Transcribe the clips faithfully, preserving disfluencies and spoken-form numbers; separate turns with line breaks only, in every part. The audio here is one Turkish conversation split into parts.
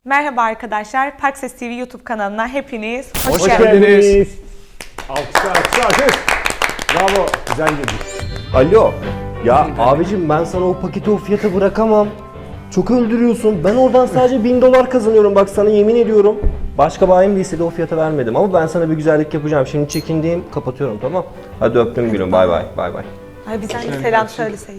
Merhaba arkadaşlar, Pakses T V YouTube kanalına hepiniz hoş,
Hoş
geldiniz.
geldiniz. Alkışlar, alkışlar, alkış. Bravo, güzel girdik.
Alo. Ya abicim ben sana o paketi o fiyata bırakamam. Çok öldürüyorsun. Ben oradan sadece bin dolar kazanıyorum. Bak sana yemin ediyorum. Başka bayim değilse de o fiyata vermedim. Ama ben sana bir güzellik yapacağım. Şimdi çekindiğim kapatıyorum, tamam. Hadi öptüm gülüm. Bay bay. Bay bay.
Ay bir tane selam söyleseydin.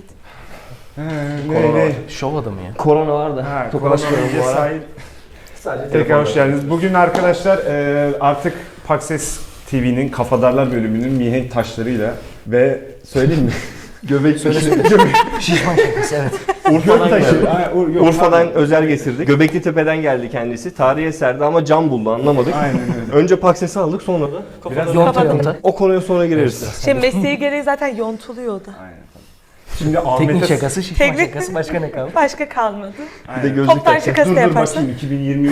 Ne, ne?
Şov adamı ya.
Korona var da.
Ha,
Tokalaşmıyorum bu ara.
sahip.
Sadece
Tekrar hoş geldiniz. Bugün arkadaşlar e, artık Pakses T V'nin Kafadarlar bölümünün mihenk taşlarıyla ve söyleyeyim mi?
Göbek
Söyle Şişman şakası evet.
Urfa'dan
taşı.
geldi.
Ha, Ur- yok,
Urfa'dan
pardon.
özel getirdik. Göbekli Tepe'den geldi kendisi. Tarihi eserde ama cam buldu, anlamadık.
Aynen öyle.
Önce Pakses'i aldık, sonra da
Biraz
Yonta yonta.
o konuya sonra gireriz.
Şimdi mesleği gereği zaten yontuluyordu.
Aynen. Şimdi
Teknik
Ahmet'e...
şakası, şişman
Teknik-
şakası başka ne kaldı?
Başka kalmadı.
Bir de gözlük
Toptan
takacak.
şakası
Dur
da
dur
yaparsan
bakayım iki bin yirmi üç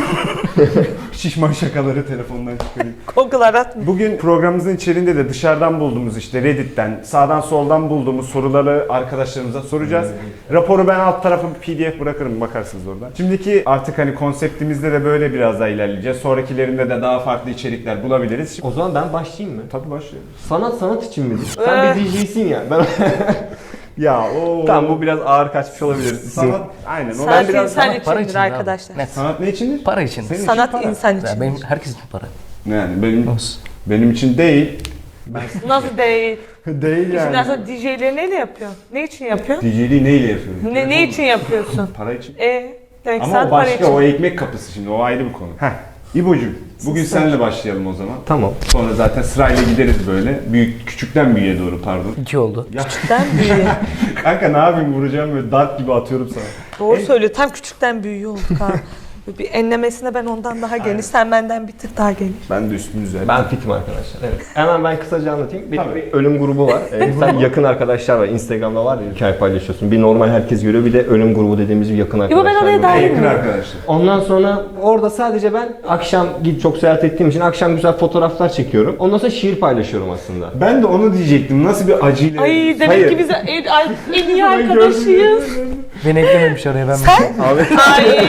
şişman şakaları telefondan çıkarayım.
Google'a atma.
Bugün programımızın içeriğinde de dışarıdan bulduğumuz işte Reddit'ten, sağdan soldan bulduğumuz soruları arkadaşlarımıza soracağız. Raporu ben alt tarafa bir P D F bırakırım, bakarsınız oradan. Şimdiki artık hani konseptimizde de böyle biraz daha ilerleyeceğiz. Sonrakilerinde de daha farklı içerikler bulabiliriz. Şimdi...
O zaman ben başlayayım mı?
Tabii başlayalım.
Sanat sanat için midir? Sen bir D J'sin ya. Ben...
Ya o
tamam, bu biraz ağır kaçmış olabilir.
sanat aynen. O
Sanat
ben biraz
insan
sanat para
içindir
için abi.
arkadaşlar.
Net.
sanat ne içindir?
Para için.
Senin için
Sanat
para.
insan
Ya
için.
benim herkes için para.
Yani benim
Olsun.
benim için değil.
Nasıl değil?
Değil
Şimdi
yani.
aslında D J'leri neyle yapıyorsun? Ne için yapıyorsun?
D J'liği neyle yapıyorum?
Ne, ne için yapıyorsun?
Para için.
E, demek ki
Ama
sanat
o
para
başka,
için.
o ekmek kapısı şimdi, o ayrı bir konu. Heh. İbo'cum, bugün seninle başlayalım o zaman.
Tamam.
Sonra zaten sırayla gideriz böyle. Büyük, küçükten büyüğe doğru pardon.
İki oldu.
Ya
Küçükten büyüğe.
kanka ne yapayım, vuracağım böyle dart gibi atıyorum sana.
Doğru söylüyor. Tam küçükten büyüğü olduk ha. Bir enlemesine ben ondan daha geniş, sen benden bir tık daha geniş.
Ben de üstümü düzelttim.
Ben fitim arkadaşlar. Evet. Hemen ben kısaca anlatayım. Benim
Tabii.
bir ölüm grubu var. Ee, sen yakın arkadaşlar var. Instagram'da var ya, hikaye paylaşıyorsun. Bir normal herkes görüyor. Bir de ölüm grubu dediğimiz bir yakın arkadaşlar.
ben oraya
grubu.
dahil
Yakın
miyim?
arkadaşlar.
Ondan sonra orada sadece ben akşam git çok seyahat ettiğim için akşam güzel fotoğraflar çekiyorum. Ondan sonra şiir paylaşıyorum aslında.
Ben de onu diyecektim. Nasıl bir acıyla.
Ay demek
Hayır.
ki biz en, ay, en iyi arkadaşıyız.
Beni eklememiş oraya ben.
Abi
Ay.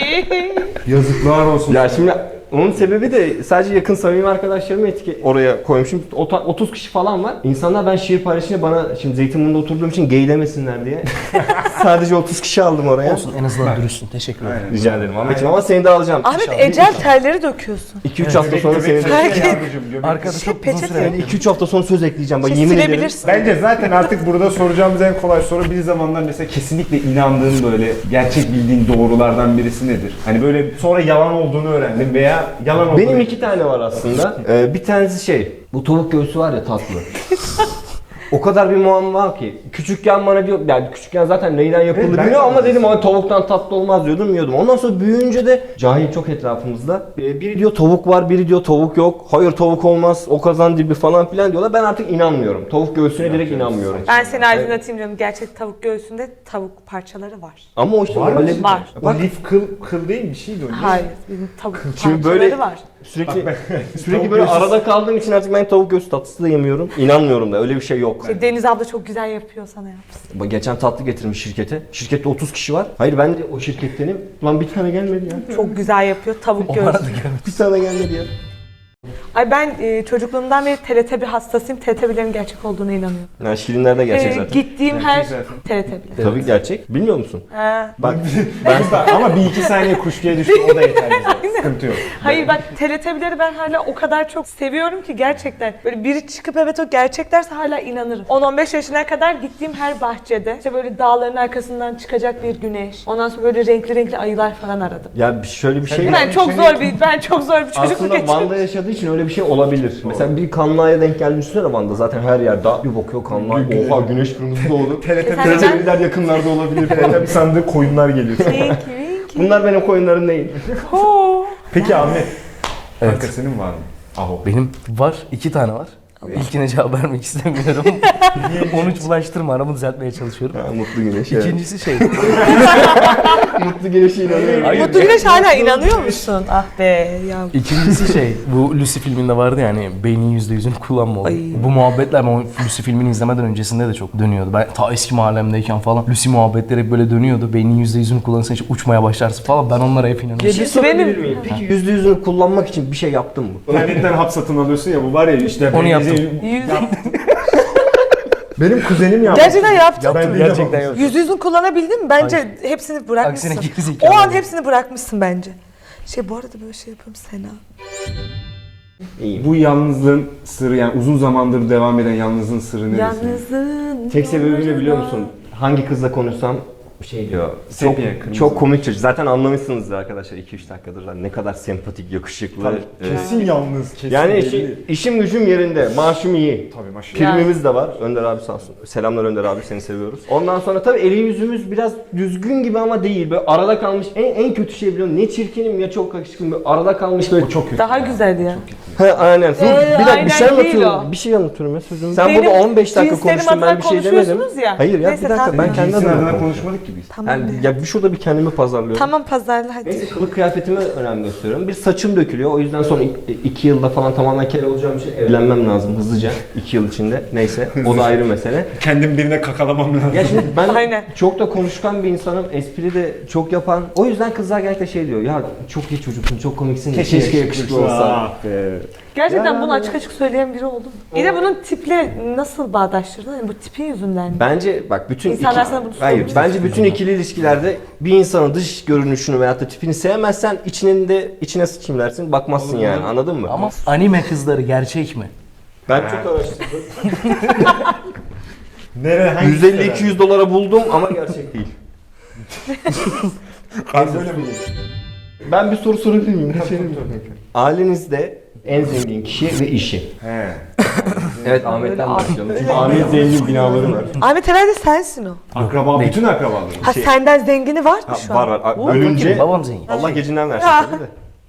Yazıklar olsun.
ya şimdi onun sebebi de sadece yakın samimi arkadaşlarımı etki oraya koymuşum. Ota- otuz kişi falan var. İnsanlar ben şiir paylaşınca bana, şimdi Zeytinburnu'nda oturduğum için gay demesinler diye sadece otuz kişi aldım oraya.
Olsun en azından dürüstsün. Teşekkür ederim.
Aynen.
Rica ederim Ahmetciğim, ama seni de alacağım.
Ahmet ecel terleri döküyorsun.
iki üç hafta sonra seni de...
Herkes-
Arkada
Şey,
çok uzun
peçete.
süre.
Yani iki üç hafta sonra söz ekleyeceğim. Bak
Şey,
yemin ederim.
silebilirsin.
Bence zaten artık burada soracağımız en kolay soru, bir zamanlar mesela kesinlikle inandığın, böyle gerçek bildiğin doğrulardan birisi nedir? Hani böyle sonra yalan olduğunu öğrendin veya yalan olduğunu...
Benim iki tane var aslında. Ee, bir tanesi şey, bu tavuk göğsü var ya, tatlı. O kadar bir muamma var ki. Küçükken bana diyor, yani küçükken zaten neyden yapıldığı
Evet, ben
bilmiyorum
de
ama dedim ama tavuktan tatlı olmaz diyordum, yiyordum. Ondan sonra büyüyünce de cahil çok etrafımızda. Ee, Biri diyor tavuk var, biri diyor tavuk yok. Hayır tavuk olmaz, o kazan dibi falan filan diyorlar. Ben artık inanmıyorum. Tavuk göğsüne direkt inanmıyorum.
Ben seni aydınlatayım canım. Gerçek tavuk göğsünde tavuk parçaları var.
Ama o işte
Var mı?
öyle
Var.
O lif kıl, kıl değil bir şeydi o. ne?
Hayır, bizim tavuk
Şimdi
parçaları
böyle-
var.
Sürekli
Bak
sürekli
tavuk
böyle
göğsü-
arada kaldığım için artık ben tavuk göğsü tatlısı da yemiyorum. İnanmıyorum da, öyle bir şey yok.
Şey, Deniz abla çok güzel yapıyor, sana yapsın.
Bak geçen tatlı getirmiş şirkete. Şirkette otuz kişi var. Hayır ben de o şirkettenim. Lan bir tane gelmedi ya.
Çok güzel yapıyor tavuk
O
göğsü.
arada gelmedi.
Bir tane gelmedi ya.
Ay ben e, çocukluğumdan beri T R T bir hastasıyım. T R T birlerin gerçek olduğuna inanıyorum.
Yani şirinler de gerçek
E,
zaten.
Gittiğim
Gerçek
her
zaten.
T R T bir.
Tabii gerçek. Bilmiyor musun?
Ha.
Bak
Ama bir iki saniye kuşkuya düştü, o da yeter bize. Sıkıntı yok.
Hayır bak T R T birleri ben hala o kadar çok seviyorum ki gerçekten. Böyle biri çıkıp evet o gerçek derse hala inanırım. on on beş yaşına kadar gittiğim her bahçede işte böyle dağların arkasından çıkacak bir güneş. Ondan sonra böyle renkli renkli ayılar falan aradım.
ya bir- şöyle bir şey.
Ben çok zor bir ben çok zor bir çocukluk
Aslında
geçirdim.
Van'da yaşadığı için öyle bir şey olabilir. Mesela bir kanlı aya denk geldiğini düşünsene Van'da. Zaten her yer dağ. Bir bakıyor kanlı ay. Oha güneş kırmızı doğdu.
T R T
Sen-
T R T birler yakınlarda olabilir
T R
falan.
T bir sandığı koyunlar geliyor.
Winky winky.
Bunlar benim koyunlarım değil.
Ho.
Peki Ahmet,
Evet.
kanka senin var mı? Aho.
Benim var. iki tane var. İlkine cevap vermek istemiyorum. Onu hiç bulaştırma. Aramı düzeltmeye çalışıyorum.
Ha, mutlu güneş. Evet.
İkincisi şey.
Mutlu Güneş'e inanıyorum.
Hayır.
Mutlu Güneş hala inanıyor musun? Ah be ya.
İkincisi şey, bu Lucy filminde vardı ya hani beynin yüzde yüzünü kullanma olayı.
Ay.
Bu muhabbetler o Lucy filmini izlemeden öncesinde de çok dönüyordu. Ben ta eski mahallemdeyken falan Lucy muhabbetleri hep böyle dönüyordu. Beynin yüzde yüzünü kullanırsan işte uçmaya başlarsın falan. Ben onlara hep inanıyorum.
Bir şey sorabilir
benim-
miyim? Peki yüzde yüzünü kullanmak için bir şey yaptın mı?
İnternetten hap satın alıyorsun ya, bu var ya işte.
Onu
benim-
yaptım.
Yüz...
Benim kuzenim yaptı.
Gerçekten yaptın.
Yaptım,
Ben de
gerçekten
yapamadım.
yaptım.
Yüz yüzün kullanabildin mi? Bence hepsini bırakmışsın.
Aksine gerizekalı.
O an hepsini bırakmışsın bence. Şey bu arada böyle şey yapıyorum Sena.
İyiyim.
Bu yalnızlığın sırrı, yani uzun zamandır devam eden yalnızlığın sırrı neresi?
Yalnızın.
Tek sebebi ne biliyor musun? Hangi kızla konuşsam şey diyor. Çok,
Sepya, kırmızı.
çok komik çocuk. Zaten anlamışsınızdır arkadaşlar iki üç dakikadır. Hani ne kadar sempatik, yakışıklı.
Tabii,
Ee,
kesin yalnız, kesin
yani
belli.
işi, işim gücüm yerinde. Maaşım iyi.
Tabii maşallah.
Primimiz de var. Önder abi sağ olsun. Selamlar Önder abi, seni seviyoruz. Ondan sonra tabii eli yüzümüz biraz düzgün gibi ama değil. Böyle arada kalmış. En, en kötü şey biliyorum. Ne çirkinim ya çok yakışıklıyım. Böyle arada kalmış böyle.
O çok kötü.
Daha güzel ya.
He aynen. Dur,
Ee,
bir dakika bir şey
aynen değil
anlatıyorum.
o.
Bir şey anlatıyorum ya sözüm. Sen
Benim
burada on beş dakika
cinslerim
konuştun ben
adına
bir şey demedim.
konuşuyorsunuz ya.
Hayır ya
Neyse,
bir dakika
tamam.
ben kendi
Cinsin
adıma
adına
konuşuyorum.
konuşmadık ki biz.
Tamam.
Yani ya bir şurada bir kendimi pazarlıyorum.
Tamam pazarla hadi.
Neyse kılık kıyafetime önem gösteriyorum. Bir saçım dökülüyor. O yüzden son iki, iki yılda falan tamamen kel olacağım için evlenmem lazım hızlıca. iki yıl içinde. Neyse o da ayrı mesele.
Kendim birine kakalamam lazım.
Ya şimdi ben
Aynen.
çok da konuşkan bir insanım. Espri de çok yapan. O yüzden kızlar gerçekten şey diyor. Ya çok iyi çocuksun, çok komiksin. Keşke, yakışıklı olsa.
Ah be.
Gerçekten
Ya.
bunu açık açık söyleyen biri oldu mu? Bir de bunun tiple nasıl bağdaştırdın? Yani bu tipin yüzünden mi?
Bence bak bütün
İnsanlar
iki-
sana bunu
hayır
söylüyor.
bence bütün ikili ilişkilerde bir insanın dış görünüşünü veyahut da tipini sevmezsen içinin de içine sıçayım dersin. Bakmazsın yani. Anladın mı?
Ama anime kızları gerçek mi?
ben çok araştırdım.
Nereye, hangi
yüz elli iki yüz dolara buldum ama gerçek değil.
Ben böyle miyim?
Ben bir soru sorabilir miyim? Ailenizde en zengin kişi ve işi.
He.
Evet Ahmet'ten
Öyle
başlayalım.
öyle.
Çünkü Ahmet zengin binaları var.
Ahmet herhalde sensin o.
Akraba,
değil.
bütün akrabalarım.
Ha senden zengini var mı
Ha,
şu
var
an?
var.
Oo,
Ölünce
Babam zengin.
Allah gecinden versin
Ya.
tabii de.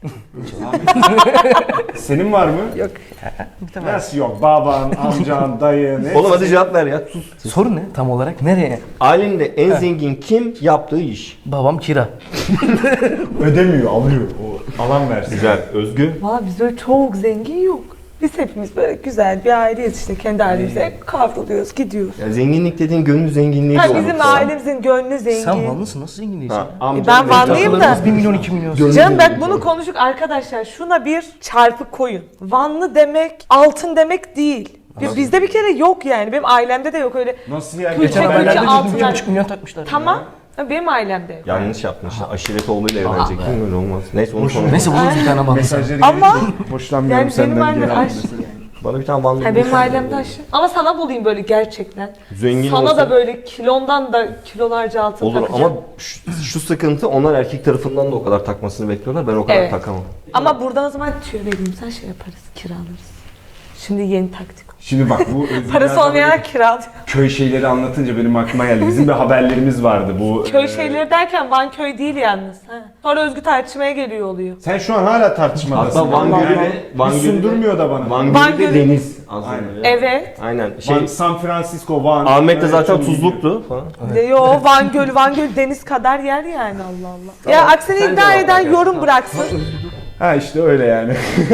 Senin var mı?
Yok.
Nasıl yok? Baban, amcan, dayın. hepsi.
Oğlum hadi cevap ver ya. Sus.
Soru ne tam olarak? Nereye?
Ailende en zengin kim? Yaptığı iş.
Babam kira.
Ödemiyor, alıyor. O alan versin.
Güzel. Özgü.
Valla biz öyle çok zengin yok. Biz hepimiz böyle güzel bir aileyiz işte kendi ailemize kavruluyoruz gidiyoruz.
Ya zenginlik dediğin gönül zenginliği
Ha,
de
bizim
olmak falan.
ailemizin gönlü zengin.
Sen Vanlısın nasıl zengin değilsin?
Ha,
ya?
amcam
ben
benim
Vanlıyım da.
Takılarımız bir milyon iki milyon.
Gönül
Canım bak
zengin
bunu
falan.
konuştuk arkadaşlar. Şuna bir çarpı koyun. Vanlı demek altın demek değil. Bir- Bizde bir kere yok yani. Benim ailemde de yok öyle.
Nasıl ya?
Külçe
Geçen
külçe
haberlerde dedim
altınlar.
bir buçuk milyon takmışlar.
Tamam. Ha, benim ailemde yok.
Yanlış yaptın işte. Aşiret oğluyla evlenecek değil mi? Öyle olmaz. Neyse onu sonra.
Neyse buluruz bir tane Vanlı.
Mesajları
Ama-
gelince hoşlanmıyorum
Yani
senden.
benim ailem
geri
aşk.
aldım.
Bana bir tane Vanlı
Ha, benim
bulursan.
ailemde aşk. Ama sana bulayım böyle gerçekten.
Zengin
Sana
olsa-
da böyle kilondan da kilolarca altın
Olur
takacağım.
ama şu, şu sıkıntı onlar erkek tarafından da o kadar takmasını bekliyorlar. Ben o kadar
Evet.
takamam.
Ama buradan o zaman tüyo vereyim. Sen şey yaparız, kiralarız. Şimdi yeni taktik.
Şimdi bak bu Özgür
Parası
Erdoğan
olmayan kiralıyor.
köy şeyleri anlatınca benim aklıma geldi. Bizim bir haberlerimiz vardı bu.
Köy
e,
şeyleri derken Van köy değil yalnız. Ha. Sonra Özgü tartışmaya geliyor oluyor.
Sen şu an hala tartışmadasın.
Hatta Van
Allah
Gölü
Allah.
de- Van
Hiç
Gölü de-
sundurmuyor da bana.
Van
Van
Gölü de
Gölü-
deniz aslında.
Aynen.
ya.
Evet.
Aynen. Şey,
Van, San Francisco, Van.
Ahmet de zaten
Evet, çok iyi.
tuzluktu falan.
Yo Van Gölü, Van Gölü deniz kadar yer yani Allah Allah. Ya aksini
Sen
iddia
cevap
eden
ver
yorum
yani.
bıraksın.
Ha işte öyle yani.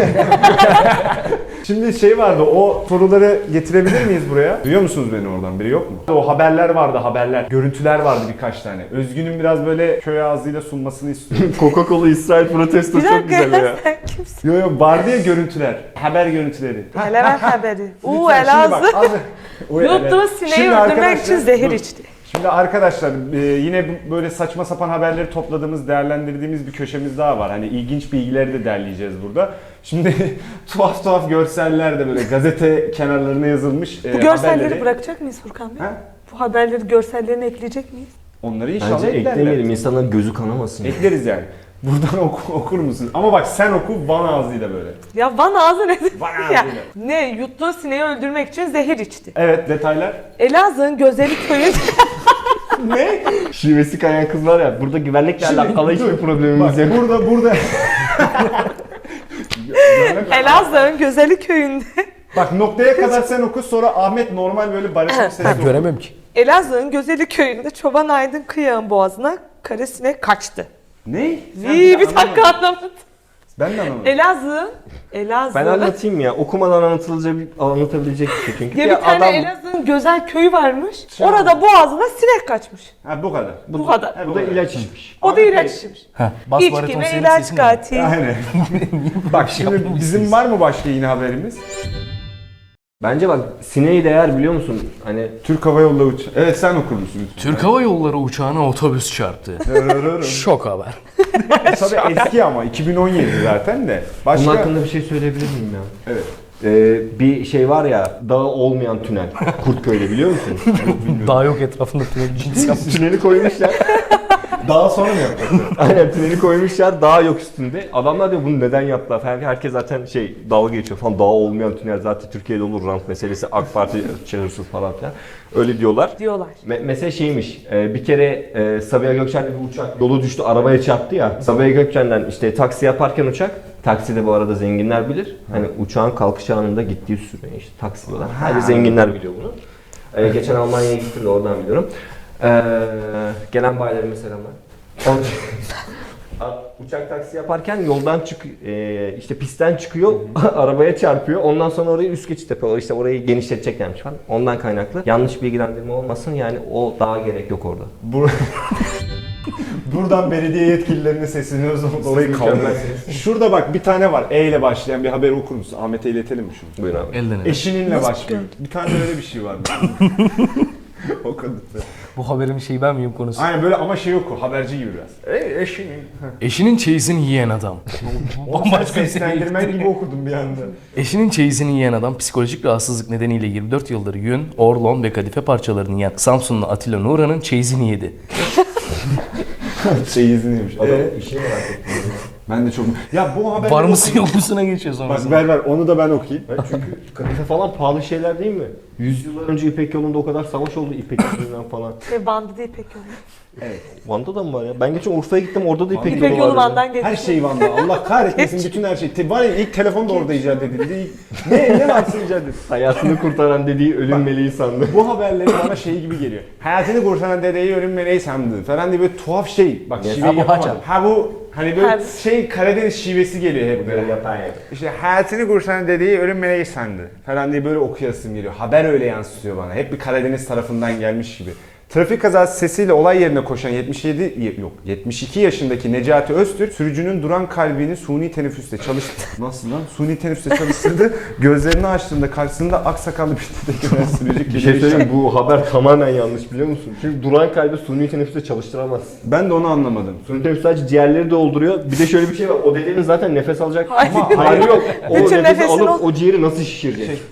Şimdi şey vardı, o soruları getirebilir miyiz buraya? Duyuyor musunuz beni oradan? Biri yok mu? O haberler vardı, haberler. Görüntüler vardı birkaç tane. Özgün'ün biraz böyle köy ağzıyla sunmasını istiyorum.
Coca-Cola İsrail protesto
Bir
çok
dakika
güzel ya.
ya sen kimsin?
Yo yo vardı ya görüntüler. Haber görüntüleri.
Levent haberi. Uuu
Lütfen, şimdi bak,
Elazığ.
az- O evet.
Yuttuğu sineği
Şimdi
öldürmek
arkadaşlar-
için zehir
dur.
içti.
Şimdi arkadaşlar e, yine bu- böyle saçma sapan haberleri topladığımız, değerlendirdiğimiz bir köşemiz daha var. Hani ilginç bilgileri de derleyeceğiz burada. Şimdi tuhaf tuhaf görseller de böyle gazete kenarlarına yazılmış e,
Bu görselleri
haberleri.
bırakacak mıyız Furkan Bey?
Ha?
Bu haberleri görsellerini ekleyecek miyiz?
Onları inşallah
Bence
eklerler.
eklemeyelim insanların gözü kanamasın.
Ekleriz yani. Buradan oku, okur musun? Ama bak sen oku Van ağzıyla böyle.
Ya Van ağzı nedir?
Van
Ya,
ağzıyla.
ne yuttuğu sineği öldürmek için zehir içti.
Evet, detaylar.
Elazığ'ın Gözeli köyü
Ne?
Şivesi kayan kız var ya, burada güvenlikle
Şimdi,
alakalı hiçbir
dur.
problemimiz
Bak
yok.
burada burada.
Elazığ'ın Gözeli köyünde
Bak noktaya kadar sen oku, sonra Ahmet normal böyle barışık bir
Ha,
sesle oku.
göremem ki.
Elazığ'ın Gözeli köyünde Çoban Aydın Kıyağın boğazına kara sinek kaçtı.
Ne? Sen
İyi bir
anlamadın.
dakika anlamadım.
Ben de anlamadım.
Elazığ, Elazığ.
Ben anlatayım ya. Okumadan anlatılacak anlatabilecek bir şey çünkü.
Ya bir tane Elazığ'ın Gözel köyü varmış.
Şey
Orada boğazına sinek kaçmış.
Ha bu kadar.
Bu, kadar.
Bu da ilaç içmiş.
O da ilaç içmiş.
Heh, bas
İçki
bariton
ve
senin
ilaç
sesin mi?
katil.
Aynen. Bak şimdi bizim var mı başka yine haberimiz?
Bence bak sineği değer biliyor musun? Hani
Türk Hava Yolları uç. Evet sen okur musun lütfen?
Türk Hava Yolları uçağına otobüs çarptı. Şok haber.
Tabii eski ama iki bin on yedi zaten de. Başka...
bunun hakkında bir şey söyleyebilir miyim ya?
Evet.
Ee, bir şey var ya, dağı olmayan tünel. Kurtköy'de biliyor musun?
Daha yok etrafında tünel cins yapmış.
Tüneli koymuşlar.
Daha sonra mı yapacağız?
Aynen tüneli koymuşlar, dağ yok üstünde. Adamlar diyor bunu neden yaptılar falan. Herkes zaten şey dalga geçiyor falan. Dağ olmayan tünel zaten Türkiye'de olur, rant meselesi, AK Parti çağırsız falan filan. Öyle diyorlar.
Diyorlar.
Me- mesela şeymiş, e, bir kere e, Sabiha Gökçen'de bir uçak yolu düştü, arabaya çarptı ya. Sabiha Gökçen'den işte taksi yaparken uçak, takside bu arada zenginler bilir. Hani uçağın kalkış anında gittiği süre işte taksi diyorlar. Sadece zenginler biliyor bunu. E, geçen Almanya'ya gittim de oradan biliyorum. E, gelen bayilerime selamlar. Uçak taksi yaparken yoldan çık, e, işte pistten çıkıyor, arabaya çarpıyor. Ondan sonra orayı üst geçit yapıyorlar. İşte orayı genişleteceklermiş falan. Ondan kaynaklı. Yanlış bilgilendirme olmasın yani o daha gerek yok orada.
Bur Buradan belediye yetkililerine sesleniyoruz. Orayı kaldırın. Şurada bak bir tane var. E ile başlayan bir haber okur musun? Ahmet'e iletelim mi şunu?
Buyur abi.
Elden ele.
Eşininle başlıyor. Bir tane öyle bir şey var. O kadar.
Bu haberin şeyi ben miyim konusu?
Aynen böyle ama şey yok o. Haberci gibi biraz. E eşinin.
Eşinin çeyizini yiyen adam.
Onu sen
Bambaşka bir
seslendirmen
seviye.
gibi okudum bir anda.
Eşinin çeyizini yiyen adam psikolojik rahatsızlık nedeniyle yirmi dört yıldır yün, orlon ve kadife parçalarını yiyen Samsunlu Atilla Nuran'ın çeyizini yedi.
Çeyizini yemiş.
Adam
Ee,
işini merak ettim.
ben de çok... Ya bu haber...
Var mısın yok musuna geçiyor sonra.
Bak ver ver onu da ben okuyayım.
Çünkü kadife falan pahalı şeyler değil mi? Yüzyıllar önce İpek yolunda o kadar savaş oldu İpek yolundan falan.
Ve bandı değil pek yolu.
Van'da da mı var ya? Ben geçen Urfa'ya gittim orada da İpek,
İpek
yolu
yolu
vardı.
Van'dan geçti.
Her şey Van'da. Allah kahretmesin bütün her şey. Te- Var ya ilk telefon da orada icat edildi. İlk- ne ne varsa icat edildi.
Hayatını kurtaran dediği ölüm meleği sandı.
Bu haberleri bana şey gibi geliyor. Hayatını kurtaran dedeyi ölüm meleği sandı falan diye böyle tuhaf şey. Bak
Yes.
şive
Ha, bu
yapamadım.
haçam.
Ha bu hani böyle
Ha.
şey Karadeniz şivesi geliyor hep böyle.
yapan ya.
İşte hayatını kurtaran dedeyi ölüm meleği sandı falan diye böyle okuyasım geliyor. Haber öyle yansıtıyor bana. Hep bir Karadeniz tarafından gelmiş gibi. Trafik kazası sesiyle olay yerine koşan yetmiş yedi yok yetmiş iki yaşındaki Necati Öztürk sürücünün duran kalbini suni teneffüste çalıştı. Nasıl lan? Suni teneffüste çalıştırdı. Gözlerini açtığında karşısında aksakallı bir dedekler sürücü.
Bir şey söyleyeyim bu haber tamamen yanlış biliyor musun? Çünkü duran kalbi suni teneffüste çalıştıramaz.
Ben de onu anlamadım.
Suni teneffüs sadece ciğerleri dolduruyor. Bir de şöyle bir şey var. O dedenin zaten nefes alacak
Hayır.
ama hali yok. O
Bütün
nefesi
nefesini
alıp
o-
o ciğeri nasıl şişirecek?
Şey-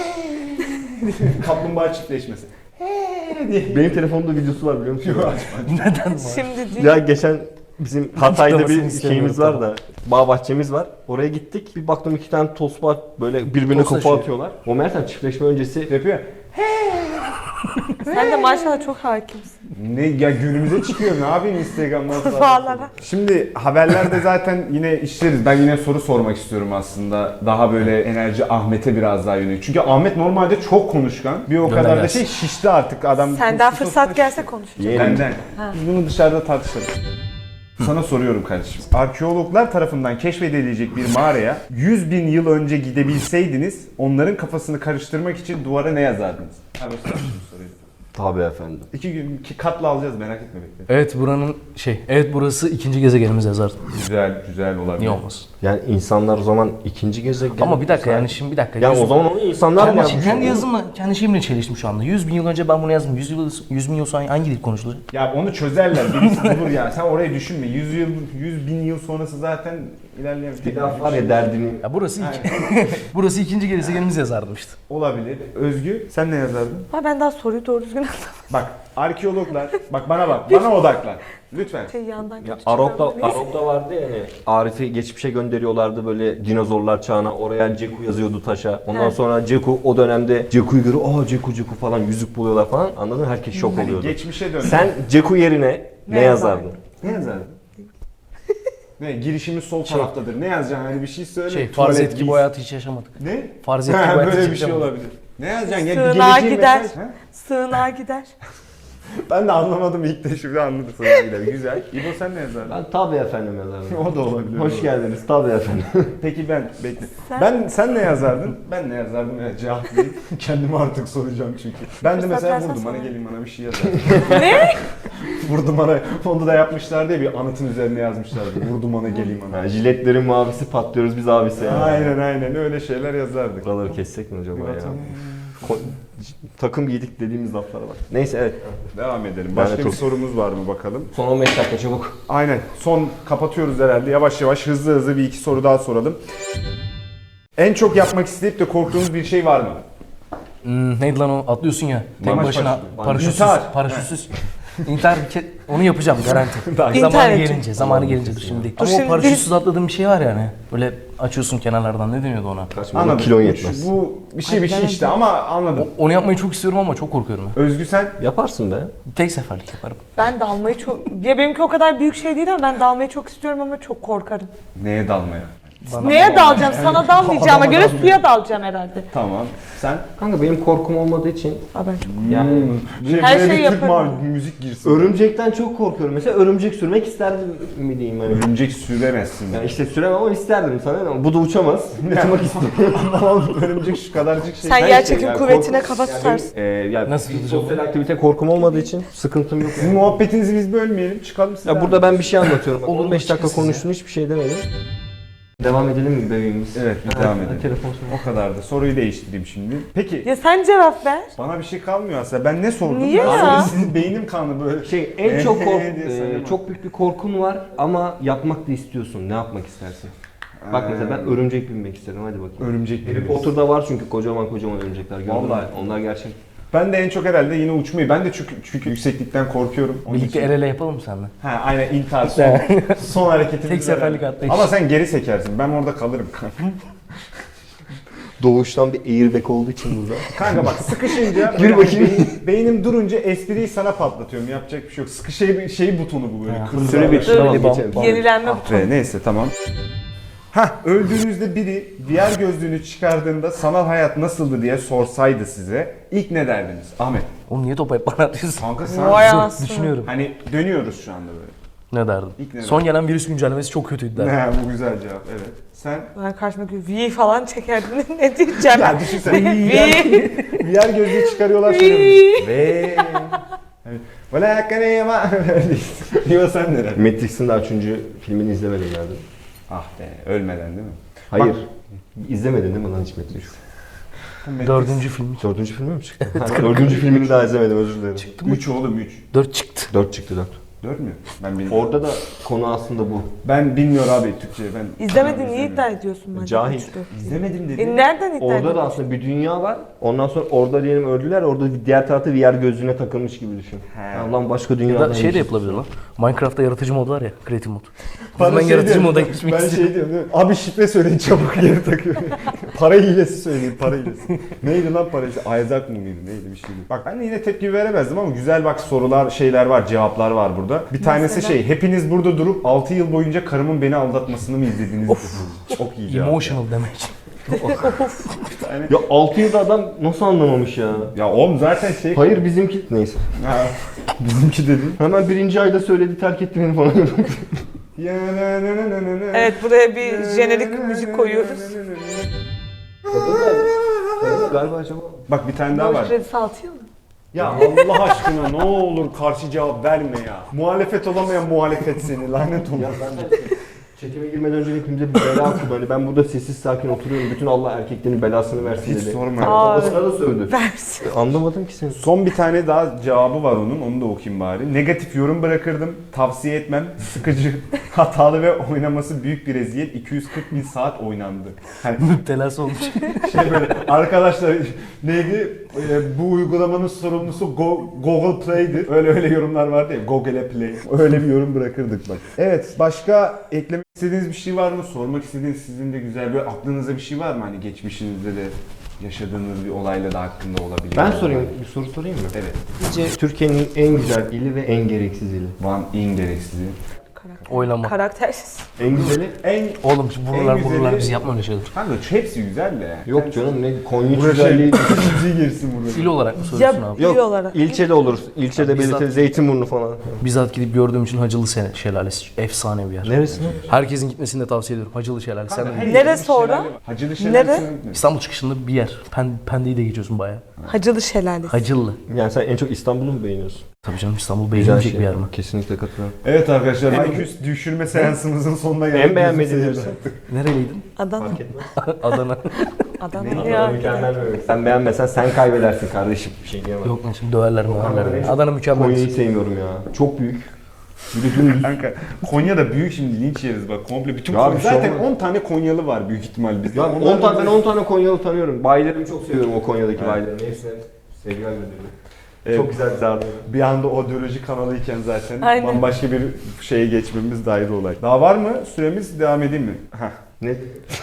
Kaplumbağa çiftleşmesi.
Benim telefonumda videosu var biliyor musun?
Neden var?
Şimdi değil.
Ya geçen bizim Hatay'da bir
Açıklamasını
şeyimiz
istemiyorum,
var da bağ bahçemiz var. Oraya gittik. Bir baktım iki tane tosba böyle birbirine kafa
Toslaşıyor.
atıyorlar. O meğersem çiftleşme öncesi
Yapıyor.
Sen de maşallah çok hakimsin.
Ne ya günümüze çıkıyor ne yapayım Instagram'dan falan.
Kurbağalara.
Şimdi haberlerde zaten yine işleriz. Ben yine soru sormak istiyorum aslında. Daha böyle enerji Ahmet'e biraz daha yönelik. Çünkü Ahmet normalde çok konuşkan. Bir o kadar da
gelsin.
şey şişti artık adam.
Senden fırsat gelse konuşacağım.
yeğenim.
Benden. Biz bunu dışarıda tartışalım. Sana soruyorum kardeşim. Arkeologlar tarafından keşfedilecek bir mağaraya yüz bin yıl önce gidebilseydiniz onların kafasını karıştırmak için duvara ne yazardınız? Abi o soruyu.
Tabii efendim.
İki gün iki katla alacağız merak etme bekle.
Evet buranın şey, evet burası ikinci gezegenimiz yazar.
Güzel güzel olabilir.
Niye olmasın?
Yani insanlar o zaman ikinci gezegen.
Ama bir dakika yani şimdi bir dakika.
Yani
yüz-
o zaman onu insanlar mı
kendi,
yapmış?
kendi yazımla, kendi şeyimle çeliştim şu anda. yüz bin yıl önce ben bunu yazdım. yüz yıl, yüz bin yıl sonra hangi dil konuşulacak?
Ya onu çözerler. Birisi bulur yani. Sen orayı düşünme. yüz yıl, yüz bin yıl sonrası zaten ilerleyen
Bir laf var ya derdini.
Ya burası iki. burası ikinci gezegenimiz yazardım işte.
olabilir. Özgü sen ne yazardın?
Ha ben daha soruyu doğru düzgün anlamadım.
Bak arkeologlar. Bak bana bak. Bana odaklan. Lütfen.
Şey yandan
Ya
geçeceğim.
Arok'ta,
Neyse.
Arok'ta vardı ya hani Arif'i geçmişe gönderiyorlardı böyle dinozorlar çağına, oraya Ceku yazıyordu taşa. Ondan
Evet.
sonra Ceku o dönemde Ceku'yu görüyor, aa Ceku Ceku falan yüzük buluyorlar falan, anladın mı? Herkes şok
Hani
oluyordu.
geçmişe dön.
Sen Ceku yerine ne,
Ne
yazardın?
yazardın?
ne yazardın? Ne girişimiz sol
Şey-
taraftadır. Ne yazacaksın? Hani bir şey söyle.
Şey,
Tuvalet,
farz et ki
giys-
bu hayatı hiç yaşamadık.
Ne?
Farz et ki
Ha,
bu hayatı
böyle
hiç
bir şey
yaşamadık.
olabilir. Ne yazacaksın? Ya bir
Sığınağa
geleceğin
gider.
mesaj. Ha?
Sığınağa gider.
Ben de anlamadım ilk de şimdi anladım sonrasıyla. Güzel. İbo sen ne yazardın?
Ben tabii efendim yazardım.
O da olabilir.
Hoş geldiniz tabii efendim.
Peki ben bekle.
Sen?
Ben sen ne yazardın? Ben ne yazardım ya cevap değil. Kendime artık soracağım çünkü. Ben de
Fırsat
mesela
versen
vurdum bana
sana.
gelin bana bir şey yazardım.
Ne?
Vurdum bana. Onu da yapmışlar diye bir anıtın üzerine yazmışlardı. Vurdum bana gelin bana.
Ha, jiletlerin mavisi patlıyoruz biz abisi ya.
Aynen aynen öyle şeyler yazardık.
Buraları kessek mi acaba
Bir
ya?
bakalım.
Ko- takım giydik dediğimiz laflara bak. Neyse evet.
Devam edelim.
Ben
Başka
de
bir
çok-
sorumuz var mı bakalım?
Son on beş dakika çabuk.
Aynen. Son kapatıyoruz herhalde. Yavaş yavaş hızlı hızlı bir iki soru daha soralım. En çok yapmak isteyip de korktuğunuz bir şey var mı?
Hmm, neydi lan o? Atlıyorsun ya. Tek
Maç
başına
başlıyor.
paraşütsüz.
İntihar.
Paraşütsüz. İntihar bir ke- onu yapacağım garanti. zamanı
İntihar
gelince,
edeceğim.
zamanı gelince dur şimdi. değil.
Dur
Ama o
şimdi
paraşütsüz atladığım bir şey var yani. Böyle açıyorsun kenarlardan ne deniyordu ona?
Kaçma
Anladım.
kilon yetmez.
Bu bir şey bir şey
Hadi
işte ama anladım.
O- onu yapmayı çok istiyorum ama çok korkuyorum. ben.
Özgü sen?
Yaparsın be.
Tek seferlik yaparım.
Ben dalmayı çok... Ya benimki o kadar büyük şey değil ama ben dalmayı çok istiyorum ama çok korkarım.
Neye dalmaya?
Neye dalacağım? Sana dalmayacağıma göre suya dalacağım herhalde.
Tamam. Sen?
Kanka benim korkum olmadığı için
Aa, ben çok...
yani
Her
Şey,
şeyi
bir Türk
yaparım.
mavi müzik girsin.
örümcekten çok korkuyorum. Mesela örümcek sürmek isterdim mi diyeyim hani.
Örümcek süremezsin.
Yani işte süremem ama isterdim sana ama bu da uçamaz. Uçmak istiyorum.
Anlamadım. Örümcek şu kadarcık şey.
Sen
Ben
yer
işte
çekim
yani
kuvvetine
korku-
kafa
yani
tutarsın.
benim, e, yani
Nasıl
bir
tutacağım?
sosyal aktivite korkum olmadığı için sıkıntım yok.
Sizin muhabbetinizi biz bölmeyelim. Çıkalım siz.
Ya burada ben bir şey anlatıyorum. Bak,
Olur mu?
on beş dakika
Çıkın siz
konuştun hiçbir şey demedim. Devam edelim mi bebeğimiz?
Evet bir
Ha,
devam
ha,
edelim.
Telefon sonra.
O kadar da. Soruyu değiştireyim şimdi. Peki
Ya sen cevap ver.
bana bir şey kalmıyor aslında. Ben ne sordum?
Niye
Ben
ya?
Sizin beynim kanlı böyle.
Şey en çok kork,
diye
e,
sayamam.
çok büyük bir korkun var ama yapmak da istiyorsun. Ne yapmak istersin? Bak mesela ben örümcek binmek istedim. Hadi bakayım.
Örümcek
Harry
binmek.
Potter'da var çünkü kocaman kocaman örümcekler. Gördün mü?
Vallahi.
Onlar gerçek.
Ben de en çok herhalde yine uçmayı. Ben de çünkü, çünkü yükseklikten korkuyorum. Onun
Birlikte
için-
el ele yapalım mı seninle?
Ha aynen intihar son, son hareketimiz.
Tek seferlik
herhalde.
atlayış.
Ama sen geri sekersin. Ben orada kalırım.
Doğuştan bir airbag olduğu için burada.
Kanka bak sıkışınca
Gir bakayım.
beyin- beynim durunca espriyi sana patlatıyorum. Yapacak bir şey yok. Sıkı şey, şey butonu bu böyle.
Ha.
Kırmızı.
Süre bitti.
Dur.
Tamam
Tamam.
geçelim.
Yenilenme
Ah
butonu.
be, neyse tamam. Hah öldüğünüzde biri diğer gözlüğünü çıkardığında sanal hayat nasıldı diye sorsaydı size ilk ne derdiniz? Ahmet.
Oğlum niye topu hep bana atıyorsun?
Kanka sen
Vay
Dur,
anasını.
düşünüyorum.
hani dönüyoruz şu anda böyle.
Ne derdim?
İlk ne
Son gelen virüs güncellemesi çok kötüydü derdim.
Ne bu güzel cevap evet. Sen?
Ben karşımdaki V falan çekerdim. Ne diyeceğim?
Ya düşünsene.
V.
Diğer gözlüğü çıkarıyorlar şöyle.
V.
Ve Valla hakkane yama. Diyor sen neler?
Matrix'in daha üçüncü filmini izlemedim nerede?
Ah be ölmeden değil mi?
Hayır. İzlemedin değil mi lan hiç Matrix?
Dördüncü film.
Dördüncü filmi mi çıktı? Ha, dördüncü filmini daha izlemedim özür dilerim.
üç oğlum üç.
Dört çıktı.
Dört çıktı dört.
dört mü? Ben bilmiyorum.
Orada da konu aslında bu.
Ben bilmiyorum abi Türkçe ben.
İzlemedin niye
İzlemiyorum.
iddia ediyorsun bence?
Cahil.
Üçtü.
İzlemedim dedi.
E nereden iddia
Orada
ediyorsun?
da aslında bir dünya var. Ondan sonra orada diyelim öldüler. Orada diğer tarafta V R gözlüğüne takılmış gibi düşün.
He.
Ya lan başka
Ya
dünyada.
da şey de yapılabilir lan. Minecraft'ta yaratıcı mod var ya. Creative mod.
Bana
Ben
şey
yaratıcı
diyorum,
moda geçmek
Ben
istiyorum.
şey diyorum değil mi? Abi şifre söyleyin çabuk geri takıyorum. Para hilesi söyleyin para hilesi. Neydi lan para hilesi? Isaac mı mıydı neydi bir şeydi. Bak ben de yine tepki veremezdim ama güzel bak sorular şeyler var cevaplar var burada. Bir tanesi
Mesela?
şey hepiniz burada durup altı yıl boyunca karımın beni aldatmasını mı izlediniz? Çok iyi cevap.
Emotional demek.
Yani-
Ya altı yılda adam nasıl anlamamış ya?
Ya oğlum zaten şey...
Hayır bizimki neyse.
Ha, bizimki dedin.
Hemen birinci ayda söyledi terk etti beni falan.
Evet buraya bir jenerik müzik koyuyoruz.
Galiba acaba.
Bak bir tane daha var.
Borç kredisi altı yıl mı?
Ya Allah aşkına ne olur karşı cevap verme ya. Muhalefet olamayan muhalefet seni lanet olsun.
Ya ben de çekime girmeden önce hepimize bir bela okudu. Hani ben burada sessiz sakin oturuyorum. Bütün Allah erkeklerin belasını versin
Hiç
dedi.
sorma.
Aa.
Babasına da sövdü.
Versin.
Anlamadım ki seni.
Son bir tane daha cevabı var onun. Onu da okuyayım bari. Negatif yorum bırakırdım. Tavsiye etmem. Sıkıcı, hatalı ve oynaması büyük bir eziyet. iki yüz kırk bin saat oynandı. Hani
Müptelası olmuş.
şey böyle arkadaşlar neydi? Ee, bu uygulamanın sorumlusu Go- Google Play'di. Öyle öyle yorumlar vardı ya. Google Play. Öyle bir yorum bırakırdık bak. Evet. Başka eklemek istediğiniz bir şey var mı? Sormak istediğiniz sizin de güzel böyle aklınızda bir şey var mı? Hani geçmişinizde de yaşadığınız bir olayla da hakkında olabilir.
Ben sorayım, bir soru sorayım mı?
Evet.
Sizce Türkiye'nin en güzel ili ve en gereksiz ili?
Van in gereksizi.
Oylama.
Karaktersiz.
En güzeli.
En
Oğlum şu buralar
En güzeli-
buralar biz yapma öyle şeyler.
kanka hepsi güzel de.
Yok canım ne Konya
Burası
güzelliği.
müziği girsin burada.
İl olarak mı
Ya
söylüyorsun abi?
il
Yok
olarak.
ilçede olur. İlçede
Bizzat-
belirtili Zeytinburnu falan.
Bizzat gidip gördüğüm için Hacılı Sene- Şelalesi efsane bir yer.
Neresi?
Herkesin gitmesini de tavsiye ediyorum. Hacılı Şelalesi. Sen de-
Her
Neresi
yerin bir
orada?
şelale var. Hacılı
Nere?
Şelalesi'ne gitmedim.
İstanbul çıkışında bir yer. Pen, Pende'yi de geçiyorsun bayağı.
Hacılı Şelalesi.
Hacılı.
Yani sen en çok İstanbul'u mu beğeniyorsun?
Tabii canım İstanbul beğenilecek bir yer mi?
Kesinlikle katılıyorum.
Evet arkadaşlar, I Q düşürme seansımızın sonuna geldik.
En beğenmediğin neresi?
Nereliydin?
Adana.
Adana.
Adana ya.
Mükemmel bir bölüm. Sen beğenmesen sen kaybedersin kardeşim. Bir şey diyemem.
Yok lan şimdi döverler döverler. Adana mükemmel.
Konya'yı sevmiyorum ya. Çok büyük. Bir de dümdüz.
Kanka Konya da büyük, şimdi linç yeriz bak komple bütün
Ya
Konya.
bir şey
Zaten
olmaz.
on tane Konyalı var büyük ihtimal bizde.
Ya
Onlar
on tane,
da-
ben on tane Konyalı tanıyorum. Bayilerimi çok seviyorum o Konya'daki
Evet.
bayilerimi. Hepsine sevgiler gönderiyorum.
Evet.
Çok güzel zarlı.
Bir anda odeoloji kanalıyken zaten
Aynen.
bambaşka bir şeye geçmemiz de ayrı olay. Daha var mı? Süremiz devam edeyim mi? Heh.
Ne?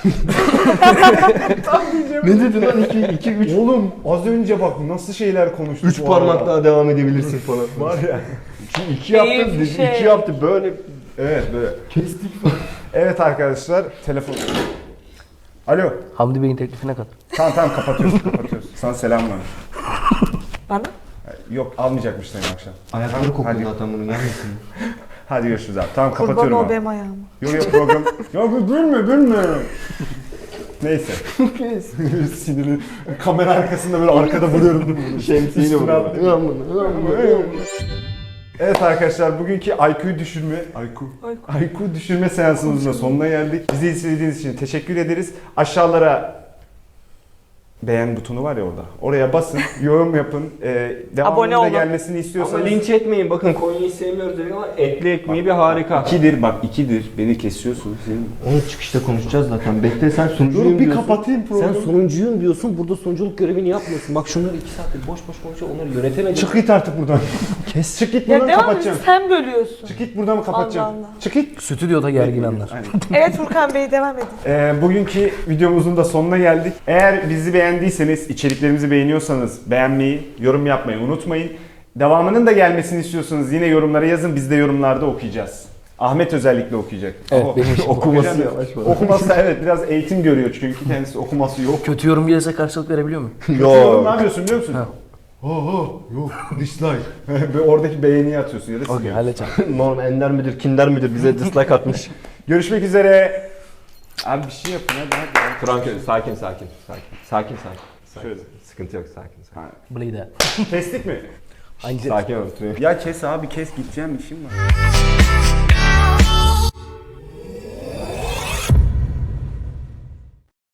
Ne dedin lan? iki, iki, üç.
Oğlum az önce bak nasıl şeyler konuştuk.
Üç
bu
parmak
arada.
daha devam edebilirsin falan.
Var ya.
İki, iki yaptı,
Keyif
dedi,
şey.
iki yaptı böyle.
Evet böyle.
Kestik falan.
Evet arkadaşlar telefon. Alo.
Hamdi Bey'in teklifine kat.
Tamam tamam kapatıyoruz kapatıyoruz. Sana selam var.
Bana?
Yok almayacakmış senin akşam.
Ayakları
Hadi.
kokuyor zaten bunun gelmesin.
Hadi görüşürüz abi. Tamam
Kurban
kapatıyorum
ol
abi.
benim ayağıma.
Yok yok program. Yok gülme gülme. Neyse. Sinirli. Kamera arkasında böyle arkada vuruyorum.
Şemsiyeyle
Üstüne
vuruyor.
attım.
Ulan bunu, ulan bunu.
Evet arkadaşlar bugünkü I Q düşürme I Q I Q düşürme seansımızın da sonuna geldik. Bizi izlediğiniz için teşekkür ederiz. Aşağılara beğen butonu var ya orada. Oraya basın, yorum yapın. Ee, devamında
Abone olun.
gelmesini
Ama
istiyorsanız.
linç etmeyin. Bakın Konya'yı sevmiyoruz dedik ama etli ekmeği bir harika.
İkidir bak ikidir. Beni kesiyorsun. Senin...
Onu çıkışta konuşacağız zaten. Bekle sen sunucuyum
Dur bir
diyorsun.
kapatayım programı.
Sen sunucuyum diyorsun. Burada sunuculuk görevini yapmıyorsun. Bak şunları iki saattir boş boş konuşuyor. Onları yönetemedin.
Çık git artık buradan. Kes. Çık git
Ya
buradan
devam et,
kapatacağım.
sen bölüyorsun.
Çık git buradan kapatacağım.
Allah Allah.
Çık git.
Stüdyoda gergin anlar.
Aynen.
Evet Furkan Bey devam edin.
Ee, bugünkü videomuzun da sonuna geldik. Eğer bizi beğendiyseniz, içeriklerimizi beğeniyorsanız beğenmeyi, yorum yapmayı unutmayın. Devamının da gelmesini istiyorsanız yine yorumlara yazın. Biz de yorumlarda okuyacağız. Ahmet özellikle okuyacak.
Evet,
Oho.
benim için
okuması
Okuyacağım.
yavaş falan.
Okuması evet biraz eğitim görüyor çünkü kendisi okuması yok.
Kötü yorum gelirse karşılık verebiliyor muyum?
Yorum ne
Yo.
yapıyorsun biliyor musun?
Ha.
Oho yok dislike. Ve oradaki beğeniyi atıyorsun ya da
Okey
siliyorsun.
halledeceğim.
Norm ender midir, kinder midir bize dislike atmış.
Görüşmek üzere. Abi bir şey yapın hadi hadi.
Frank sakin sakin sakin. Sakin sakin. sakin.
Şöyle.
Sıkıntı yok sakin sakin.
Ha.
Bleed.
Kestik mi?
Hangi
Sakin ol.
Ya kes abi kes gideceğim işim var.